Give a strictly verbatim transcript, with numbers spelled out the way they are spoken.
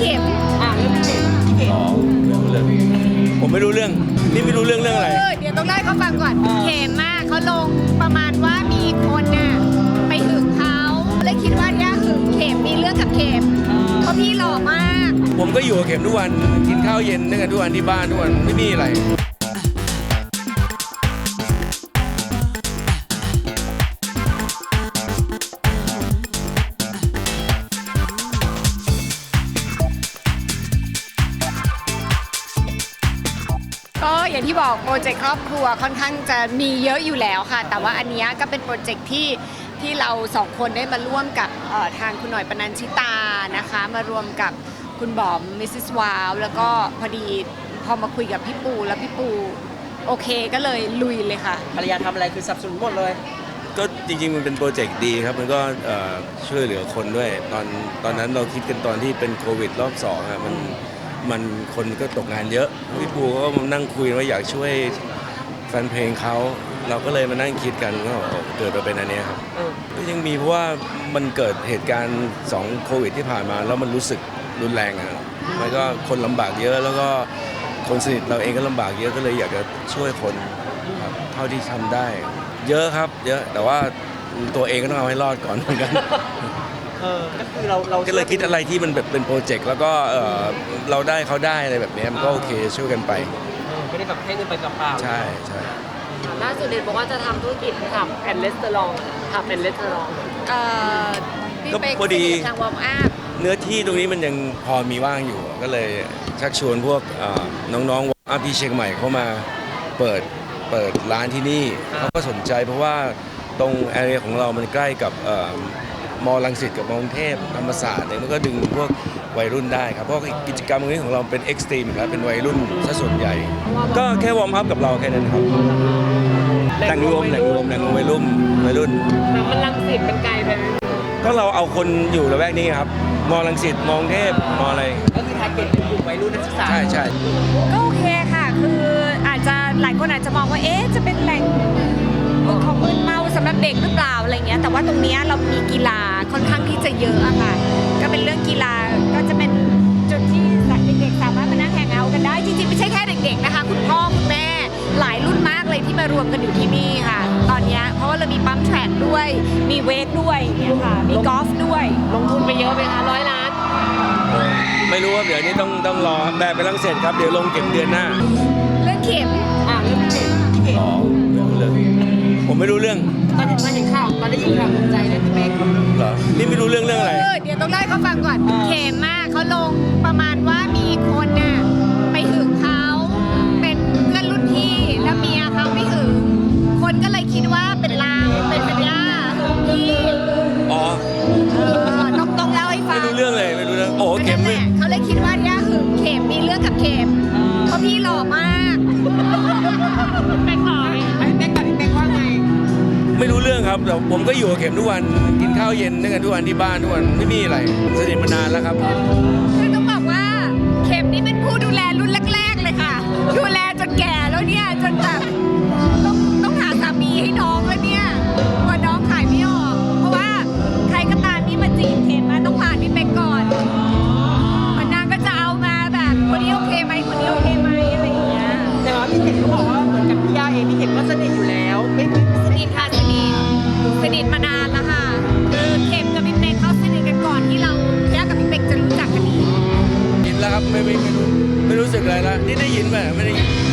เข็มอ่ะเรื่องเข็มพี่เข็มอ๋อเรื่องเรื่องผมไม่รู้เรื่องนี่ไม่รู้เรื่องเรื่องอะไรเออเดี๋ยวต้องได้เขาฟังก่อนเข็มมากเขาลงประมาณว่ามีคนน่ะไปหึงเขาเลยคิดว่าเนี่ยหึงเข็มมีเรื่องกับเข็มเพราะพี่หล่อมากผมก็อยู่กับเข็มทุกวันกินข้าวเย็นด้วยกันทุกวันที่บ้านทุกวันไม่มีอะไรก็อย่างที่บอกโปรเจกต์ครอบครัวค่อนข้างจะมีเยอะอยู่แล้วค่ะแต่ว่าอันเนี้ยก็เป็นโปรเจกต์ที่ที่เราสองคนได้มาร่วมกับเอ่อทางคุณหน่อยปนัญชิตานะคะมารวมกับคุณบอมมิสซิสวาวแล้วก็พอดีพอมาคุยกับพี่ปูแล้วพี่ปูโอเคก็เลยลุยเลยค่ะภรรยาทำอะไรคือสนับสนุนหมดเลยก็จริงๆมันเป็นโปรเจกต์ดีครับมันก็เอ่อช่วยเหลือคนด้วยตอนตอนนั้นเราคิดกันตอนที่เป็นโควิดรอบสองอะมันมันคนก็ตกงานเยอะพี่ปูก็มานั่งคุยว่าอยากช่วยแฟนเพลงเขาเราก็เลยมานั่งคิดกันก็เกิดมาเป็นอันเนี้ยครับเออก็ยังมีเพราะว่ามันเกิดเหตุการณ์สองโควิดที่ผ่านมาแล้วมันรู้สึกรุนแรงอ่ะมันก็คนลำบากเยอะแล้วก็คนสนิทเราเองก็ลำบากเยอะก็เลยอยากจะช่วยคนครับเท่าที่ทำได้ เยอะครับเยอะแต่ว่าตัวเองก็ต้องเอาให้รอดก่อนเหมือนกันเออก็คือเราเราก็เลยคิดอะไรที่มันแบบเป็นโปรเจกต์แล้วก็เอ่อเราได้เขาได้อะไรแบบนี้มันก็โอเคช่วยกันไปเออไม่ได้แบบให้เงินไปเปล่าๆใช่ใช่ล่าสุดเด็นบอกว่าจะทำธุรกิจทำแอนเลสเตอรองทำแอนเลสเตอรองเอ่อพี่ก็เป๊กพอดีสนิทกับทางวอร์มอัพเนื้อที่ตรงนี้มันยังพอมีว่างอยู่ ก็เลยชักชวนพวกเอ่อน้องๆอาพี่เชียงใหม่เข้ามาเปิดเปิดร้านที่นี่เขาก็สนใจเพราะว่าตรงแอเรียของเรามันใกล้กับเอ่อมอลังสิตกับมอกรุงเทพธรรมศาสตร์เนี่ยมันก็ดึงพวกวัยรุ่นได้ครับเพราะกิจกรรมตรงนี้ของเราเป็นเอ็กซ์ตรีมครับเป็นวัยรุ่นซะส่วนใหญ่ ก็แค่วอร์มอัพกับเราแค่นั้นครับแหล่งรวมแหล่งรวมแหล่งรวมวัยรุ่นวัยรุ่นแต่มันลังสิตเป็นไกลไปไหมก็เราเอาคนอยู่ละแวกนี้ครับมอลังสิตมอกรุงเทพมออะไรก็คือทาร์เก็ตเป็นกลุ่มวัยรุ่นนักศึกษาใช่ใช่ก็โอเคค่ะ คืออาจจะหลายคนอาจจะมองว่า เอ๊ะ จะเป็นแหล่งของมึนเมาสำหรับเด็กหรือเปล่าอะไรเงี้ย แต่ว่าตรงเนี้ยเรามีกีฬาค่อนข้างที่จะเยอะอะค่ะ ก็เป็นเรื่องกีฬา ก็จะเป็นจุดที่เด็กๆสามารถมานั่งแฮงเอาท์กันได้ จริงๆไม่ใช่แค่เด็กๆนะคะ คุณพ่อคุณแม่ หลายรุ่นมากเลยที่มารวมกันอยู่ที่นี่ค่ะ ตอนเนี้ยเพราะว่าเรามีปั๊มแทร็กด้วย มีเวทด้วยอย่างเงี้ยค่ะ มีกอล์ฟด้วยลงทุนไปเยอะไหมคะร้อยล้านไม่รู้ว่าเดี๋ยวนี้ต้องต้องรอแบบไปลังเสร็จครับเดี๋ยวลงเก็บเดือนหน้าเรื่องเข็มอ่ะเรื่องเข็มพี่เข็มอ๋อเรื่องเรื่องผมไม่รู้เรื่องตอนเห็นตอนเห็นข่าวตอนได้ยินข่าวตกใจเลยพี่เป๊กเหรอนี่ไม่รู้เรื่องเรื่องอะไรเออเดี๋ยวต้องได้เขาฟังก่อน เข็มมากเขาลงประมาณว่ามีคนน่ะไปหึงเขาเป็นเพื่อนรุ่นพี่แล้วเมียเขาไม่หึงคนก็เลยคิดว่าเป็นลางเป็นสัญญาหึงพี่อ๋อเออต้องต้องเล่าให้ฟัไม่งรู้เรื่องเลยไม่รู้เรื่องโอ้เข็มนั่นแหไม่ละเขาเลยคิดว่าเนี่ยหึงเข็มมีเรื่องกับเข็มเพราะพี่หล่อมากไปขอไหมพี่เป๊กกับพี่เป๊กว่าไงไม่รู้เรื่องครับแต่ผมก็อยู่กับเข็มทุกวันกินข้าวเย็นด้วยกันทุกวันที่บ้านทุกวันไม่มีอะไรสนิทมานานแล้วครับคือต้องบอกว่าเข็มนี่เป็นผู้ดูแลรุ่นแรกๆเลยค่ะ ดูแลจนแก่แล้วเนี่ยจนแบบต้องต้องหาสามีให้น้องแล้วเนี่ยกลัวน้องขายไม่ออก เพราะว่าใครก็ตามที่มาจีบเข็มมาต้องผ่านพี่เป็กก่อนนางก็จะเอามาแบบคนนี้โอเคไหมคนนี้โอเคไหมอะไรอย่างเงี้ยแต่ว่าพี่เข็มเขาบอกว่าเหมือนกับพี่ย่าเองพี่เข็มก็สนิทอยู่แล้วไม่ไม่ไม่สนิทค่ะสนิทสนิทมานานแล้วค่ะคือเข็มกับพี่เป็กเขาสนิทกันก่อนที่เราแยกกับพี่เป็กจะรู้จักกันอีกยินแล้วครับไม่ไม่ไม่รู้ไม่รู้สึกอะไรแล้วนี่ได้ยินไหมไม่ได้ยิน